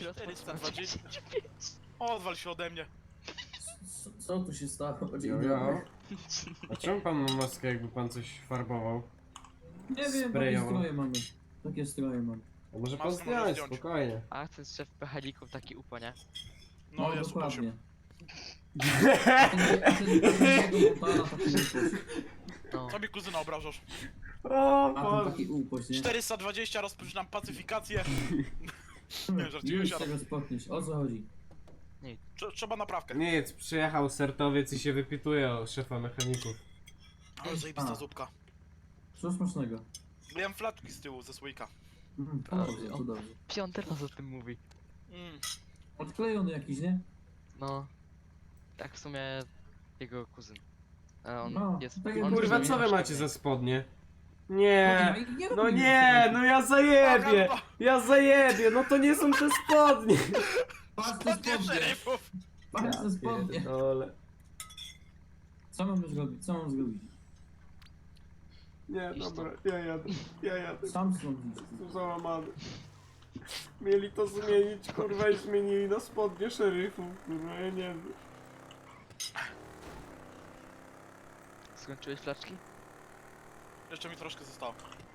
420. Odwal się ode mnie. Co tu się stało? Dzień Jo, dobry. jo. A czemu pan ma maskę, jakby pan coś farbował? Nie wiem, takie Sprayowo. stroje mamy. Takie stroje mamy. A może pan Maskę może zdjąć, zdjąć. spokojnie. A ten szef pechalików taki upo, nie? No jest dokładnie. upoczył. A ten tego Montana taki upoś. No. Co mi kuzyna obrażasz? O, A ten Boże. taki upoś, nie? 420, rozpoczynam pacyfikację. Nie, żartuję Już się. tego spotniesz. O co chodzi? Trzeba naprawkę. Nic, przyjechał sertowiec i się wypituje o szefa mechaników. Ale zajebista A. zupka. Co smacznego? Jem flaczki z tyłu ze słoika. To dobrze, to dobrze. Piąty raz o tym mówi. Mm. Odklejony jakiś, nie? No. Tak w sumie jego kuzyn. A on No, jest... tak jak on Kurwa, jest co wy troszkę- macie za spodnie? Nie, no robimy nie, tego. no ja zajebie! Ja zajebie, no to nie są te spodnie! Patrz te Spodnie spodnie! szeryfów! Patrz te spodnie! Pierdolę. Co mamy zrobić? Co mam zrobić? Nie, dobra, ja jadę. Sam stąd idź. Jestem załamany. Mieli to zmienić, kurwa, i zmienili na spodnie szeryfów, kurwa, ja nie wiem. Skończyłeś flaczki? Jeszcze mi troszkę zostało.